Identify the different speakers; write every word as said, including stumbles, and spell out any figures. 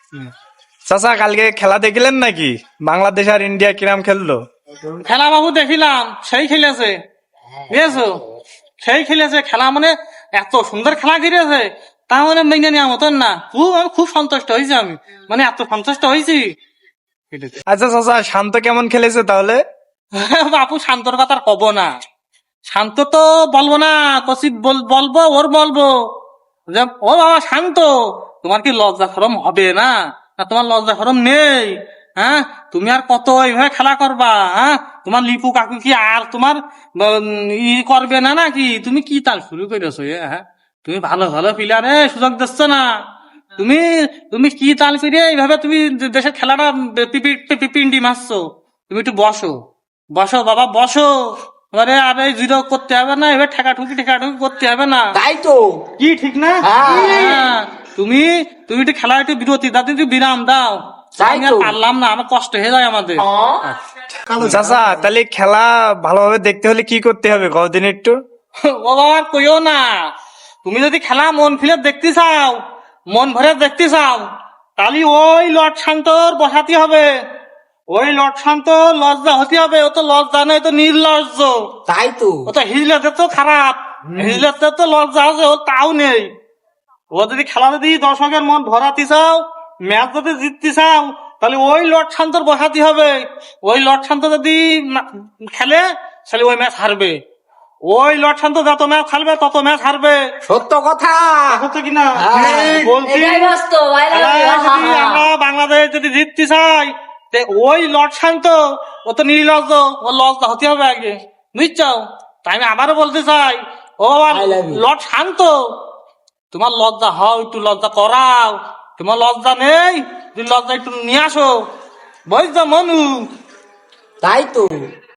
Speaker 1: চাচা কালকে খেলা দেখলেন নাকি? বাংলাদেশ আর ইন্ডিয়া কিরাম খেললো?
Speaker 2: খেলা বাবু দেখিলাম, সেই খেলেছে, বুঝেছো? সেই খেলেছে খেলা, মানে এত সুন্দর খেলা খেলেছে, তা মানে মেনে নেওয়া মতন না। খুব আমি খুব সন্তুষ্ট হয়েছি, আমি মানে এত সন্তুষ্ট হয়েছি।
Speaker 1: আচ্ছা চাচা, শান্ত কেমন খেলেছে তাহলে?
Speaker 2: বাপু শান্তর কথা আর কব না। শান্ত তো বলবো না, কসি বলবো ওর বলবো যে ও বাবা শান্ত, তোমার কি লজ্জা শরম হবে না? না তোমার লজ্জা শরম নেই? হ্যাঁ, তুমি আর কত এইভাবে খেলা করবা? হ্যাঁ, তোমার লিপু কাকু কি আর তোমার উম, ই করবে না নাকি? তুমি কি তাল শুরু করেছো? এ, হ্যাঁ, তুমি ভালো ভালো প্লেয়ারে সুযোগ দিচ্ছ না। তুমি তুমি কি তাল করে এইভাবে তুমি দেশের খেলাটা পি- পি- পি- পি- পিন্ডি মারছো? তুমি একটু বসো, বসো বাবা বসো। এবারে আর এই জিরো করতে হবে না, এবার ঠেকা ঠুকি ঠেকা ঠুকি করতে হবে না।
Speaker 3: তাই তো।
Speaker 2: কি ঠিক না? হ্যাঁ, তুমি তুমি একটু খেলা একটু বিরতি দাও, একটু বিরাম দাও।
Speaker 3: তাই
Speaker 2: আমি আর
Speaker 3: তো।
Speaker 2: পারলাম না, আমার কষ্ট হয়ে যায় আমাদের।
Speaker 1: চাচা তাহলে খেলা ভালোভাবে দেখতে হলে কি করতে হবে কদিন একটু?
Speaker 2: ও বাবা আর কইও না। তুমি যদি খেলা মন ফিরে দেখতে চাও, মন ভরে দেখতে চাও, তাহলে ওই লর্ড শান্তর বসাতে হবে। ওই লর্ড শান্ত লজ্জা হতে হবে। ও তো লজ্জা নেই, তো নির্লজ্জ।
Speaker 3: তাই তো।
Speaker 2: ও তো হিজলাতে তো খারাপ, হিজলাতে তো লজ্জা আছে, ও তাও নেই। ও যদি খেলা যদি দর্শকের মন ভরাতে চাও, ম্যাচ যদি জিততে চাও, তাহলে ওই লর্ড শান্তর বসাতে হবে। ওই লর্ড শান্ত যদি না- খেলে, তাহলে ওই ম্যাচ হারবে। ওই লর্ড শান্ত যত ম্যাচ খেলবে তত ম্যাচ হারবে।
Speaker 3: সত্য কথা।
Speaker 2: হচ্ছে কিনা?
Speaker 3: হ্যাঁ,
Speaker 2: বলছি
Speaker 4: এটাই বাস্তব, I love you,
Speaker 2: খেলায়
Speaker 4: হা, হা,
Speaker 2: যদি
Speaker 4: হা।
Speaker 2: আমরা বাংলাদেশ যদি জিততে চাই, তে ওই লর্ড শান্ত, ও তো নির্লজ্জ, ও লজ্জা হতে হবে আগে, বুঝছো? তাই আমি আবারও বলতে চাই, ও
Speaker 3: I love you.
Speaker 2: Lord Shanto, তোমার লজ্জা হও, একটু লজ্জা করাও। তোমার লজ্জা নেই, তুমি লজ্জা একটু নিয়ে আসো, বুঝছো মনু?
Speaker 3: তাই তো।